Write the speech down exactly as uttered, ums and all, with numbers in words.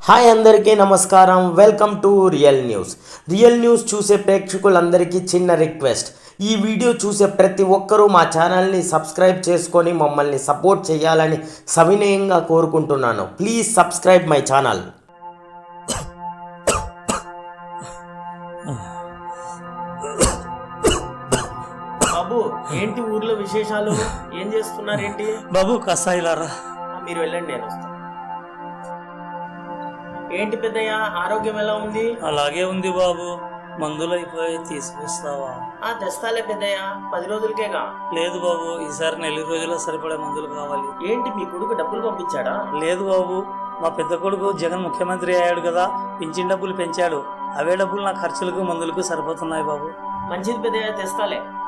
Hi అందరికీ నమస్కారం. Welcome to real news. Real news చూసే ప్రేక్షకులందరికీ చిన్న రిక్వెస్ట్, ఈ వీడియో చూసే ప్రతి ఒక్కరూ మా ఛానల్ని సబ్స్క్రైబ్ చేసుకొని మమ్మల్ని సపోర్ట్ చేయాలని సవినయంగా కోరుకుంటున్నాను. Please subscribe my channel. బాబు, ఏంటి ఊర్లో విశేషాలు? ఏం చేస్తున్నారు ఏంటి? బాబు కసాయిలారా, మీరు వెళ్ళండి, నేను వస్తాను. ఏంటి పెద్దయ్య, ఆరోగ్యం ఎలా ఉంది? అలాగే ఉంది బాబు. మందులు అయిపోయి తీసుకొస్తావా? ఆ తెస్తాలే పెద్దయ్య, పది రోజులకేగా. లేదు బాబు, ఈసారి నెల రోజుల్లో సరిపడే మందులు కావాలి. ఏంటి మీ కొడుకు డబ్బులు పంపించాడా? లేదు బాబు, మా పెద్ద కొడుకు జగన్ ముఖ్యమంత్రి అయ్యాడు కదా, పింఛన్ డబ్బులు పెంచాడు. అవే డబ్బులు నా ఖర్చులకు మందులకు సరిపోతున్నాయి బాబు. మంచిది పెద్దయ్య, తెస్తాలే.